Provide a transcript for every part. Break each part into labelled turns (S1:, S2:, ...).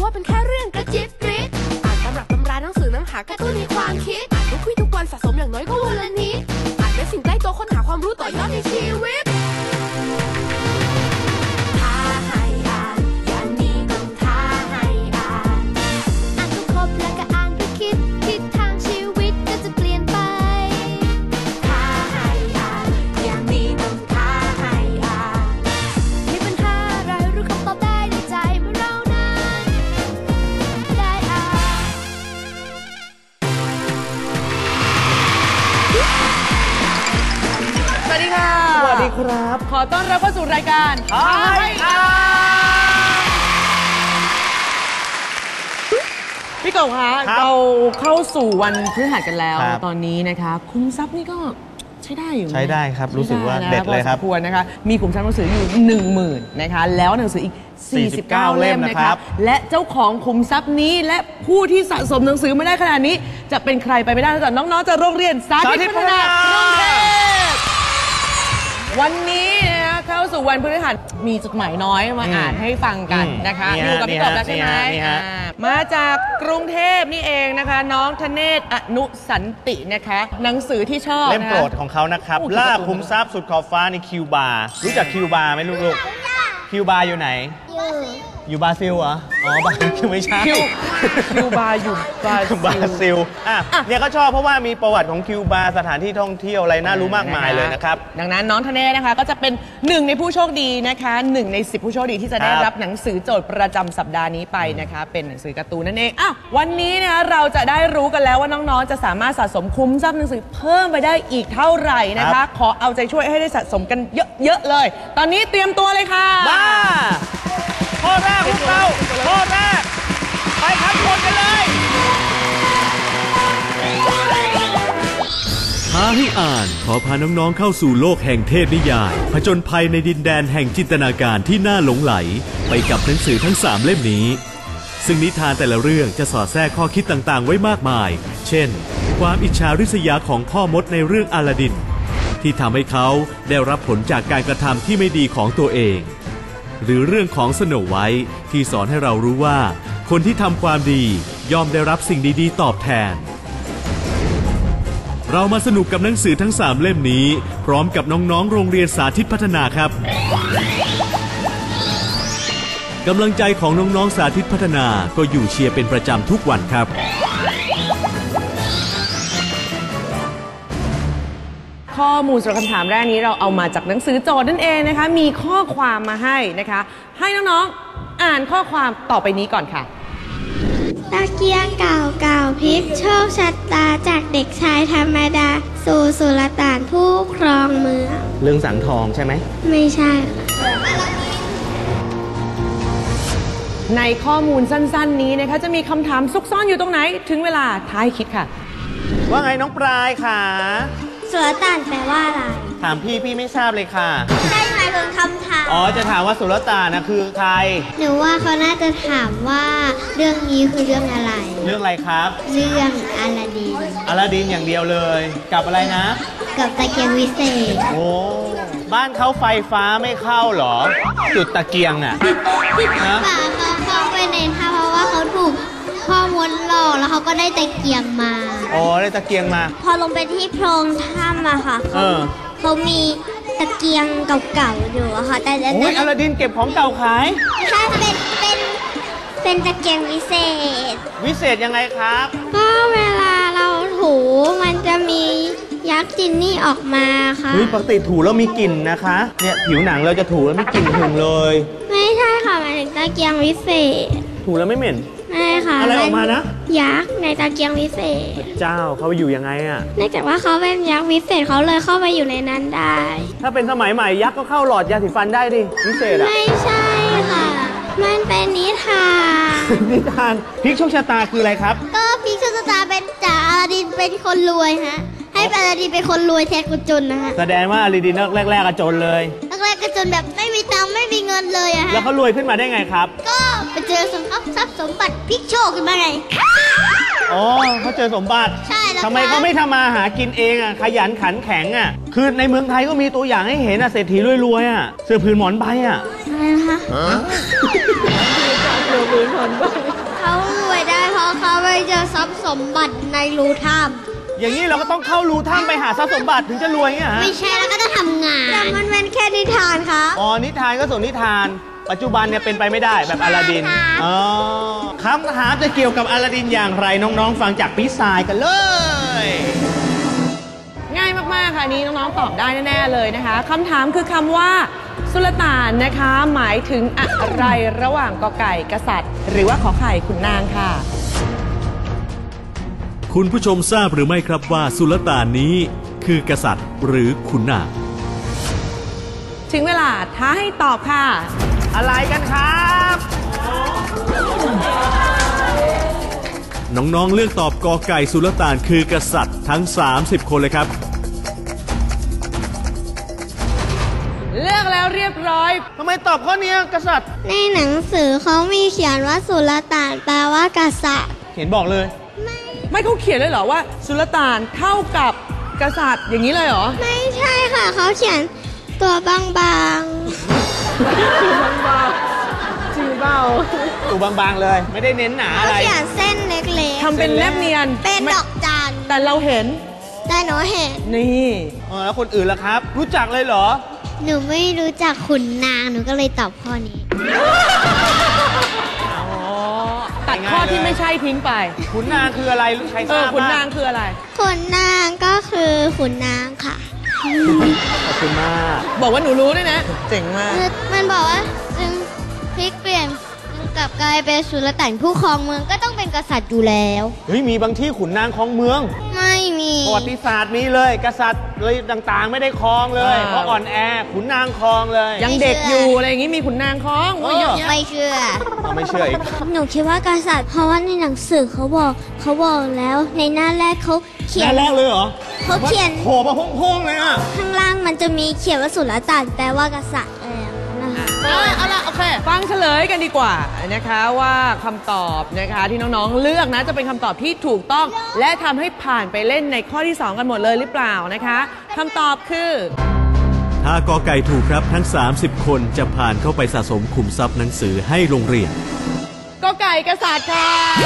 S1: ว่าเป็นแค่เรื่องกระจิบกริดอ่านตำรับตำราหนังสือน้ำหาการ์ตูนในความคิดอ่านทุกวี่ทุกวันสะสมอย่างน้อยก็วันละนิดอ่านเป็นสิ่งใกล้ตัวค้นหาความรู้ต่อยอดในชีวิตท้าให้อ่านอย่างนี้ต้องท้าให้อ่านอ่านก็ครบแล้วก็อ่านก็คิดทิศทางชีวิตก็จะเปลี่ยนไปท้าให้อ่านอย่างนี้ต้องท้าให้อ่านมีปัญหาอะไรรู้คำตอบได้ในใจเมื่อเรานั้นได้อ่าน
S2: สวัสดีค่ะ
S3: สวัสดีครับ
S2: ขอต้อนรับเข้าสู่รายการท้าให้อ่านพี่กบคะเราเข้าสู่วันพฤหัสกันแล้วตอนนี้นะคะคุ้มทรัพย์นี่ก็ใช้ได้อยู่
S3: ใช้ได้ครับรู้สึกว่าเด็ดเลยครับ
S2: ควรนะคะมีขุมทรัพย์หนังสืออยู่ 10,000 นะคะแล้วหนังสืออีก49 เล่มนะครับและเจ้าของขุมทรัพย์นี้และผู้ที่สะสมหนังสือมาได้ขนาดนี้จะเป็นใครไปไม่ได้นอกจากน้องๆจากโรงเรียนสาธิตพัฒนากรุงเทพวันนี้นะคะเข้าสู่วันพฤหัสมีจดหมายน้อยมาอ่านให้ฟังกันนะคะอยู่กับพี่กบแล้วใช่ไหมมาจากกรุงเทพนี่เองนะคะน้องธเนศอนุสันตินะคะหนังสือที่ชอบ
S3: เล่มโปรดของเขานะครับล่าขุมทรัพย์สุดขอบฟ้าในคิวบาร์รู้จักคิวบาร์ไหมลูกๆคิวบาร์อยู่ไหนอยู่บราซิลเหรออ๋อบราซิลไม่ใช่
S2: คิวบาร์อยู่บรา
S3: ซิลเนี่ยก็ชอบเพราะว่ามีประวัติของคิวบาร์สถานที่ท่องเที่ยวอะไรน่ารู้มากมายเลยนะครับ
S2: ดังนั้นน้องธเนศนะคะก็จะเป็น1ในผู้โชคดีนะคะ1ใน10ผู้โชคดีที่จะได้รับหนังสือโจทย์ประจำสัปดาห์นี้ไปนะคะเป็นหนังสือการ์ตูนนั่นเองวันนี้นะคะเราจะได้รู้กันแล้วว่าน้องๆจะสามารถสะสมคุ้มทรัพย์หนังสือเพิ่มไปได้อีกเท่าไหร่นะคะขอเอาใจช่วยให้ได้สะสมกันเยอะๆเลยตอนนี้เตรียมตัวเลยค่ะ
S3: ข้อแรกพวกเราข้อแรกไปครับกดกันเลย
S4: ท้าให้อ่านขอพาน้องๆเข้าสู่โลกแห่งเทพนิยายผจญภัยในดินแดนแห่งจินตนาการที่น่าหลงไหลไปกับหนังสือทั้ง3เล่มนี้ซึ่งนิทานแต่ละเรื่องจะสอดแทรกข้อคิดต่างๆไว้มากมายเช่นความอิจฉาริษยาของพ่อมดในเรื่องอลาดินที่ทำให้เขาได้รับผลจากการกระทำที่ไม่ดีของตัวเองหรือเรื่องของสโนว์ไวท์ที่สอนให้เรารู้ว่าคนที่ทำความดีย่อมได้รับสิ่งดีๆตอบแทนเรามาสนุกกับหนังสือทั้ง3เล่มนี้พร้อมกับน้องๆโรงเรียนสาธิตพัฒนาครับกำลังใจของน้องๆสาธิตพัฒนาก็อยู่เชียร์เป็นประจำทุกวันครับ
S2: ข้อมูลสำหรับคำถามแรกนี้เราเอามาจากหนังสือโจทย์นั่นเองนะคะมีข้อความมาให้นะคะให้น้องๆอ่านข้อความต่อไปนี้ก่อนค่ะ
S5: ตะเกียงเก่าพลิกโชคชะตาจากเด็กชายธรรมดาสู่สุลต่านผู้ครองเมือง
S3: เรื่องสังทองใช่ไหม
S5: ไม่ใช่
S2: ในข้อมูลสั้นๆนี้นะคะจะมีคำถามซุกซ่อนอยู่ตรงไหนถึงเวลาท้ายคิดค่ะ
S3: ว่าไงน้องปลายค่ะ
S5: สุลต่านแปลว่าอะไร
S3: ถามพี่ไม่ทราบเลยค่ะ
S5: ใช่หมายถึงคำถาม
S3: จะถามว่าสุลต่านนะคือใคร
S5: หนูว่าเขาน่าจะถามว่าเรื่องนี้คือเรื่องอะไร
S3: เรื่องอะไรครับ
S5: เรื่องอลาดิน
S3: อย่างเดียวเลยกับอะไรนะ
S5: กับตะเกียงวิเศษ
S3: โอ้บ้านเขาไฟฟ้าไม่เข้าหรอจุดตะเกียงอ่ะ
S5: นะเขาเข้าไปในถ้ำเพราะว่าเขาถูกพ่อมดหลอกแล้วเขาก็ได้ตะเกียงมา
S3: ได้ตะเกียงมา
S5: พอลงไปที่โพรงถ้ำอะค่ะเขามีตะเกียงเก่าๆอยู่อะค่ะแต่
S3: อลาดินเก็บของเก่าขาย
S5: ใช่เป็นตะเกียงวิเศษ
S3: ยังไงครับ
S5: ก็เวลาเราถูมันจะมียักษ์จินนี่ออกมาค่ะ
S3: ปกติถูแล้วมีกลิ่นนะคะเนี่ยผิวหนังเราจะถูแล้วมีกลิ่นหึงเลย
S5: ไม่ใช่ค่ะหมายถึงตะเกียงวิเศษ
S3: ถูแล้วไม่เหม็น
S5: ไม่ค่ะ
S3: อะไรออกมานะ
S5: ยักษ์ในตะเกียงวิเศษ
S3: เจ้าเขาอยู่ยังไงอะ
S5: เนื่องจากว่าเขาเป็นยักษ์วิเศษเขาเลยเข้าไปอยู่ในนั้นได้
S3: ถ้าเป็นสมัยใหม่ยักษ์ก็เข้าหลอดยาสีฟันได้ดิวิเศษอะ
S5: ไม่ใช่ค่ะมันเป็นนิทาน
S3: พลิกโชคชะตาคืออะไรครับ
S5: ก็พลิกโชคชะตาเป็นจากอลาดินเป็นคนรวยฮะให้อลาดินเป็นคนรวยแทนคนจนนะฮะ
S3: แสดงว่าอลาดินแรกๆก็จนเลย
S5: แรกๆก็จนแบบไม่มีตังค์ไม่มีเงินเลยอะฮะ
S3: แล้วเขารวยขึ้นมาได้ไงครับ
S5: ก็ไปเจอทรัพย์สมบัติพลิกโชคขึ้นมาไง
S3: เขาเจอสมบัติ
S5: ใช่แล้ว
S3: ทำไมเขาไม่ทำมาหากินเองอ่ะขยันขันแข็งอ่ะคือในเมืองไทยก็มีตัวอย่างให้เห็นเศรษฐีรวยๆอ่ะเสื้อผืนหมอนใบอ่ะ
S5: อะไรนะคะเสื้อผืนหมอนใบราะเขาไปเจอทรัพย์สมบัติในรูถ้
S3: อย่างนี้เราก็ต้องเข้ารูถ้ำไปหาทรัพย์สมบัติถึงจะรวยเงี้ย
S5: ำ
S3: ฮะ
S5: ไม่ใช่แล้วก็จะทำงานแต่มันเป็นแค่นิทานครับ
S3: อ๋อนิทานก็ส่วนนิทาน ปัจจุบันเนี่ยเป็นไปไม่ได้แบบอลาดิน
S5: ใช่ค่ะ
S3: อ๋อคำถามจะเกี่ยวกับอลาดินอย่างไรน้องๆ ฟังจากพี่สายกันเลย
S2: ง่ายมากๆค่ะอันนี้น้องๆตอบได้แน่ๆเลยนะคะคำถามคือคำว่าสุลต่านนะคะหมายถึงอะไรระหว่างกอไก่กษัตริย์ หรือว่าขอไข่ขุนนางค่ะ
S4: คุณผู้ชมทราบหรือไม่ครับว่าสุลต่านนี้คือกษัตริย์หรือขุนนาง
S2: ถึงเวลาท้าให้ตอบค่ะ
S3: อะไรกันครับ
S4: น้องๆเลือกตอบกอไก่สุลต่านคือกษัตริย์ทั้ง 30 คนเลยครับ
S2: เลือกแล้วเรียบร้อย
S3: ทำไมตอบข้อนี้กษัตริย์
S5: ในหนังสือเขามีเขียนว่าสุลต่านแปลว่ากษัตริย์
S3: เห็นบอกเลย
S2: ไม่เขาเขียนเลยเหรอว่าสุลต่านเท่ากับกษัตริย์อย่างนี้เลยเหรอ
S5: ไม่ใช่ค่ะเขาเขียนตัวบาง
S2: จริงเปล่า
S3: ตูบางๆเลย ไม่ได้เน้นหนา
S5: ๆเขา
S3: อะไร
S5: เขียนเส้นเล็ก
S2: ทำเป็นแนบเนียน
S5: ๆเป็นดอกจัน
S2: แต่เราเห็น
S5: แต่หนูเห็น
S2: นี่
S3: แล้วคนอื่นล่ะครับ รู้จักเลยเหรอ
S5: หนูไม่รู้จักขุนนางหนูก็เลยตอบข้อนี้
S2: ตัดข้อที่ไม่ใช่ทิ้งไป
S3: ขุนนางคืออะไรใครทราบ
S2: ขุน
S3: บ้
S2: นางคืออะไร
S5: ขุนนางก็คือขุนนางค่ะ
S3: ขอบคุณมาก
S2: บอกว่าหนูรู้ด้วยนะ เจ๋งมาก
S5: มันบอกว่าจึงพลิกเปลี่ยนกลับกลายเป็นสุลต่านผู้ครองเมืองก็ต้องเป็นกษัตริย์อยู่แล้ว
S3: เฮ้ยมีบางที่ขุนนางครองเมือง
S5: ไม่มี
S3: ประวัติศาสตร์มีเลย กษัตริย์เลยต่างๆ ไม่ได้ครองเลย
S2: อ่า
S3: เพราะอ่อนแอขุนนางครองเลย
S2: ยังเด็กอยู่อะไรอย่างงี้มีขุนนางคล้องโอ้ยเยอะแยะ
S5: ไม่เชื่อ
S3: เราไม่เชื่ออีก
S5: หนูคิดว่ากษัตริย์เพราะว่าในหนังสือเขาบอกแล้วในหน้าแรกเขาเขียน
S3: แรกเลยเหรอ
S5: เขาเขียน
S3: โผล่มาโพ่งๆเลยอ่ะ
S5: ข้างล่างมันจะมีเขียนว่าสุลต่านแปลว่ากษัตริย์นะคะ
S2: เอาละโอเค ฟังเฉลยกันดีกว่านะคะว่าคำตอบนะคะที่น้องๆเลือกนะจะเป็นคำตอบที่ถูกต้อง และทำให้ผ่านไปเล่นในข้อที่ 2 กันหมดเลยหรือเปล่านะคะคำตอบคือ
S4: ถ้ากอไก่ถูกครับทั้ง 30 คนจะผ่านเข้าไปสะสมขุมทรัพย์หนังสือให้โรงเรียน
S2: กอไก่กษัตริย์ค่ะ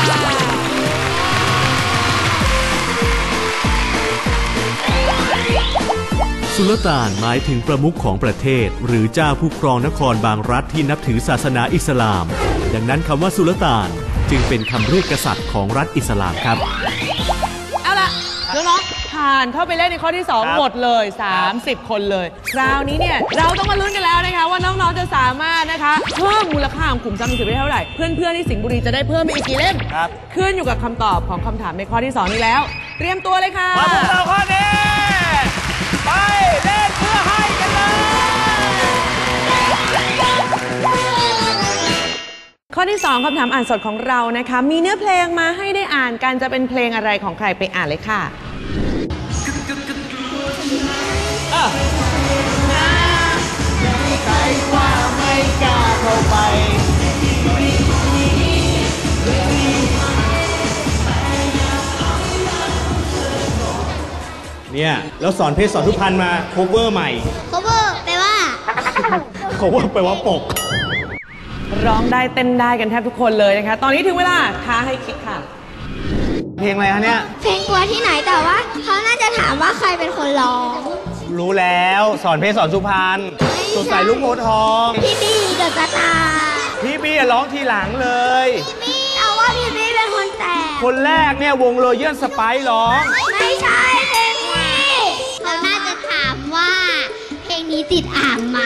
S4: สุลต่านหมายถึงประมุขของประเทศ หรือเจ้าผู้ครองนครบางรัฐที่นับถือศาสนาอิสลาม ดังนั้นคำว่าสุลต่านจึงเป็นคำเรียกกษัตริย์ของรัฐอิสลามครับ
S2: เอาล่ะน้องๆผ่านเข้าไปเล่นในข้อที่ 2 หมดเลย 30 คนเลย คราวนี้เนี่ยเราต้องมาลุ้นกันแล้วนะคะว่าน้องๆจะสามารถนะคะเพิ่มมูลค่าของขุมทรัพย์หนังสือไปเท่าไหร่เพื่อนๆที่สิงห์บุรีจะได้เพิ่มไปอีกกี่เล่ม
S3: ครับ
S2: ขึ้นอยู่กับคำตอบของคำถามในข้อที่ 2 นี้แล้ว เตรียมตัวเลยค่ะ
S3: มาพวกเราข้อนี้ไปเล่นเพื่อให้กันเลย
S2: ข้อที่ 2คำถามอ่านสดของเรานะคะมีเนื้อเพลงมาให้ได้อ่านกันจะเป็นเพลงอะไรของใครไปอ่านเลยค่ะ
S3: ใครว่าไม่กล้าเข้าไปเนี่ยแล้วสอนเพศสอนทุพพรรณมาโคเวอร์ใหม่
S5: cover แปลว่า
S3: โคเวอร์แปลว่าปก
S2: ร้องได้เต้นได้กันแทบทุกคนเลยนะคะ ตอนนี้ถึงเวลาท้าให้คิดค่ะ
S3: เพลงอะไรฮะเนี่ย
S5: เพลงกลัวที่ไหนแต่ว่าเขาน่าจะถามว่าใครเป็นคนร้อง
S3: รู้แล้วสอนเพศสอนสุพรรณสดใสลูกโพธิ์ทอง
S5: พี่บี้เดอะสตาร์
S3: พี่บี้ร้องทีหลังเลย
S5: พี่เอาว่าพี่บี้เป็นคนแต่ง
S3: คนแรกเนี่ยวงโรเยอร์สไปซ์ร้อง
S5: ไม่ใช่เพลงนี้เขาน่าจะถามว่า เพลงนี้ติดอ่างไหม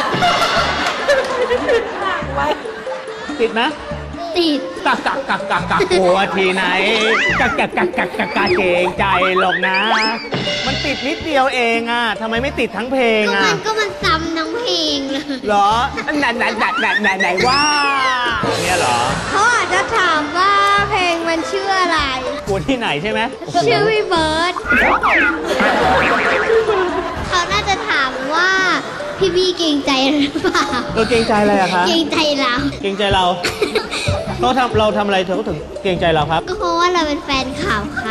S3: ติดไหม
S5: ติด
S3: กักกลัวทีไหนกักเกรงใจหรอกนะ มันติดนิดเดียวเองอ่ะทำไมไม่ติดทั้งเพลงอ่ะ
S5: มันซ้ำทั้งเพลงเลย
S3: เหรอไหนว่าเนี่ยเหรอ
S5: เขาอาจจะถามว่าเพลงมันชื่ออะไร
S3: กลัวที่ไหนใช่ไหม
S5: ชื่อพี่เบิร์ดเขาน่าจะถามว่าพี่บี้เกรงใจหรือเปล่า
S3: เกรงใจอะไรอะคะ
S5: เกรงใจเรา
S3: เกรงใจเราเราทำอะไรเธอก็ถึงเกรงใจเราครับ
S5: ก็เพราะว่าเราเป็นแฟนข่าวค่ะ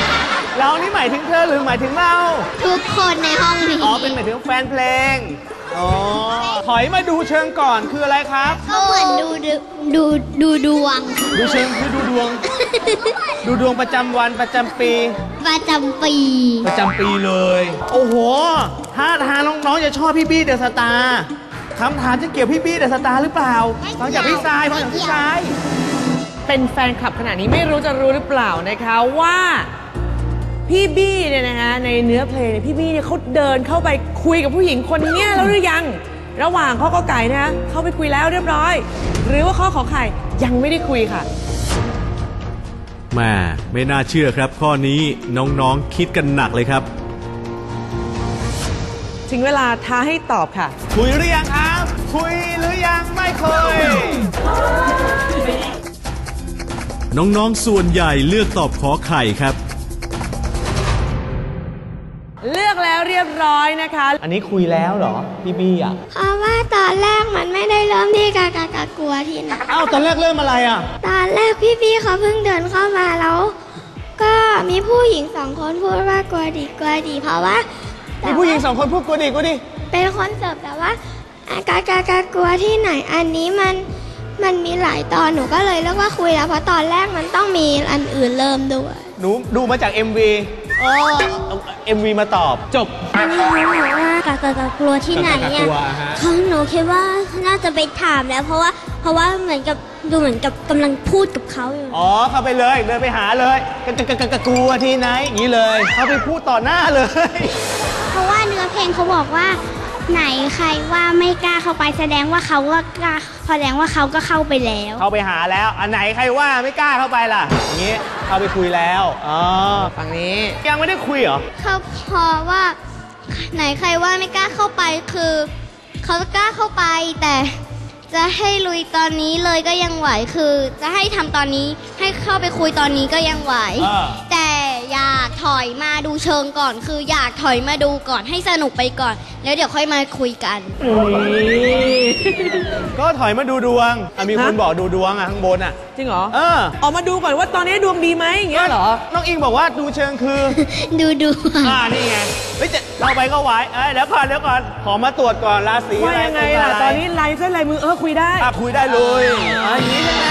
S3: เรานี่หมายถึงเธอหรือหมายถึงเรา
S5: ทุกคนในห้องนี้
S3: อ๋อเป็นหมายถึงแฟนเพลงอ๋อถอยมาดูเชิงก่อนคืออะไรครับ
S5: ก็เหมือนดูดวง
S3: ดูเชิงคือดูดวง ดูดวงประจำวันประจำปี
S5: ประจำปี
S3: ประจำปีเลย โอ้โหท่าทางน้องๆจะชอบพี่บี้เดอะสตาร์คำถามจะเกี่ยวพี่บี้เดอะสตาร์หรือเปล่าฟังจากพี่ทรายฟังจากพี่ทราย
S2: เป็นแฟนคลับขนาดนี้ไม่รู้จะรู้หรือเปล่านะคะว่าพี่บี้เนี่ยนะคะในเนื้อเพลงเนี่ยพี่บี้เนี่ยเขาเดินเข้าไปคุยกับผู้หญิงคนเนี้ยแล้วหรือยังระหว่างข้อกอไก่นะคะเข้าไปคุยแล้วเรียบร้อย หรือว่าข้อขอไข่ยังไม่ได้คุยค่ะ
S4: แม่ไม่น่าเชื่อครับข้อนี้น้องๆคิดกันหนักเลยครับ
S2: ถึงเวลาท้าให้ตอบค่ะ
S3: คุยหรือยังครับ คุยหรือยังไม่เคย
S4: น้องๆส่วนใหญ่เลือกตอบขอไข่ครับ
S2: เลือกแล้วเรียบร้อยนะคะ
S3: อันนี้คุยแล้วเหรอพี่บี้อ่ะ
S5: เพราะว่าตอนแรกมันไม่ได้เริ่มที่กากลัวที่ไหน
S3: อ้าวตอนแรกเริ่มอะไรอ่ะ
S5: ตอนแรกพี่เขาเพิ่งเดินเข้ามาแล้ว ก็มีผู้หญิง2 คนพูดว่ากลัวดีเพราะว่า
S3: มีผู้หญิง2 คนพูดกูดิ
S5: เป็นคนเสิร์ฟแต่ว่ากลัวที่ไหนอันนี้มันมีหลายตอนหนูก็เลยเลือกว่าคุยแล้วเพราะตอนแรกมันต้องมีอันอื่นเริ่มด้วย
S3: หนูดูมาจาก MV อ๋อ MV มาตอบจบ
S5: อันนี้เขาบอกว่ากลัวที่ไหนอ่ะ
S3: กลัวฮะ
S5: เขาหนูคิดว่าน่าจะไปถามแล้วเพราะว่าเหมือนกับดูเหมือนกับกำลังพูดกับเขาอยู่
S3: อ๋อเข้าไปเลยเดินไปหาเลยกลัวที่ไหนอย่างนี้เลยเข้าไปพูดต่อหน้าเลย
S5: เพราะว่าเนื้อเพลงเขาบอกว่าไหนใครว่าไม่กล้าเข้าไปแสดงว่าเขาก็กล้าแสดงว่าเขาก็เข้าไปแล้ว
S3: เข้าไปหาแล้วอันไหนใครว่าไม่กล้าเข้าไปล่ะอย่างนี้เข้าไปคุยแล้วอ๋อ
S2: ฝั่งนี้
S3: ยังไม่ได้คุยเหรอ
S5: เขาพอว่าไหนใครว่าไม่กล้าเข้าไปคือเขากล้าเข้าไปแต่จะให้ลุยตอนนี้เลยก็ยังไหวคือจะให้ทำตอนนี้ให้เข้าไปคุยตอนนี้ก็ยังไหว แต่อยากถอยมาดูเชิงก่อนคืออยากถอยมาดูก่อนให้สนุกไปก่อน แล้วเดี๋ยวค่อยมาคุยกัน
S3: ก็ถอยมาดูดวงมีคนบอกดูดวงข้างบน
S2: จริงเหรอ
S3: อ
S2: อกมาดูก่อนว่าตอนนี้ดวงดีไหมอย่างเงี้ยเหรอ
S3: น้องอิงบอกว่าดูเชิงคือ
S5: ดู
S3: นี่ไงเฮ้ยจะเราไปก็ไหวเดี๋ยวก่อนขอมาตรวจก่อนราศี
S2: ว่า
S3: อะไร
S2: ยังไงล่ะตอนนี้ลายเส้นลายมือคุยได้
S3: คุยได้เลยอย่างนี้ใช่ไหม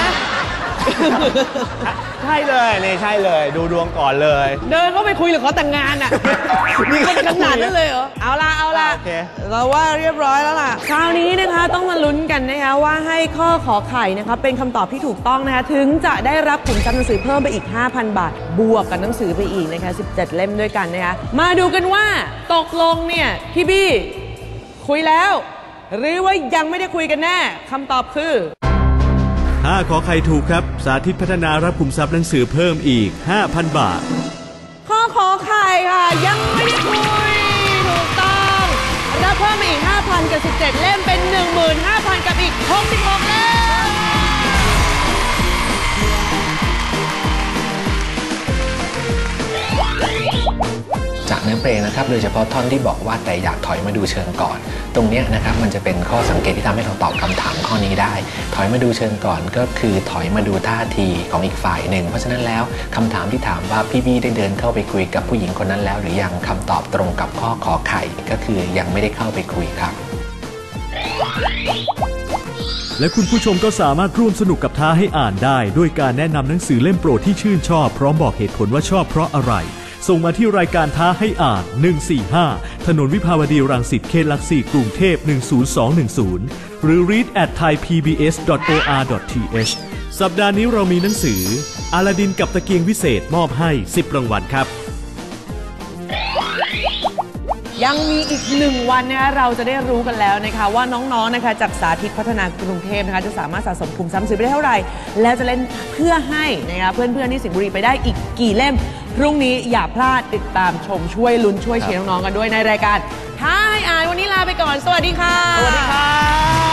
S3: ใช่เลยนี่ใช่เลยดูดวงก่อนเลย
S2: เดินเข้าไปคุยหรือขอแต่งงานอ่ะ
S3: นี่
S2: มันขนาดนั้นเลยเหรอเอาล่ะ
S3: โอเค
S2: เราว่าเรียบร้อยแล้วล่ะคราวนี้นะคะต้องมาลุ้นกันนะคะว่าให้ข้อขอไข่นะคะเป็นคำตอบที่ถูกต้องนะคะถึงจะได้รับขุมทรัพย์หนังสือเพิ่มไปอีก 5,000 บาทบวกกับหนังสือไปอีกนะคะ17 เล่มด้วยกันนะคะมาดูกันว่าตกลงเนี่ยพี่บี้คุยแล้วหรือว่ายังไม่ได้คุยกันแน่คำตอบคือ
S4: ถ้าขอไข่ถูกครับสาธิตพัฒนารับขุมทรัพย์หนังสือเพิ่มอีก 5,000 บาท
S2: ข้อขอไข่ค่ะยังไม่ได้คุยถูกต้องรับเพิ่มไปอีก 5,000 กับ17 เล่มเป็น 15,000 กับอีก66 เล่ม
S6: จากเนื้อเพลงนะครับโดยเฉพาะท่อนที่บอกว่าแต่อยากถอยมาดูเชิงก่อนตรงนี้นะครับมันจะเป็นข้อสังเกตที่ทำให้เราตอบคำถามข้อนี้ได้ถอยมาดูเชิงก่อนก็คือถอยมาดูท่าทีของอีกฝ่ายหนึ่งเพราะฉะนั้นแล้วคำถามที่ถามว่าพี่บี้ได้เดินเข้าไปคุยกับผู้หญิงคนนั้นแล้วหรือยังคำตอบตรงกับข้อขอไข่ก็คือยังไม่ได้เข้าไปคุยครับ
S4: และคุณผู้ชมก็สามารถร่วมสนุกกับท้าให้อ่านได้ด้วยการแนะนำหนังสือเล่มโปรดที่ชื่นชอบพร้อมบอกเหตุผลว่าชอบเพราะอะไรส่งมาที่รายการท้าให้อ่าน145ถนนวิภาวดีรังสิตเขตหลัก4กรุงเทพ10210หรือ read@thaipbs.or.th สัปดาห์นี้เรามีหนังสืออลาดินกับตะเกียงวิเศษมอบให้10รางวัลครับ
S2: ยังมีอีก1วันนะคะเราจะได้รู้กันแล้วนะคะว่าน้องๆนะคะจากสาธิตพัฒนากรุงเทพนะคะจะสามารถสะสมขุมทรัพย์ซื้อไปได้เท่าไหร่แล้วจะเล่นเพื่อให้นะคะเพื่อนๆที่สิงห์บุรีไปได้อีกกี่เล่มพรุ่งนี้อย่าพลาดติดตามชมช่วยลุ้นช่วยเชียร์น้องๆกันด้วยในรายการท้าให้อ่านวันนี้ลาไปก่อนสวัสดีค่ะ
S3: สวัสดีครับ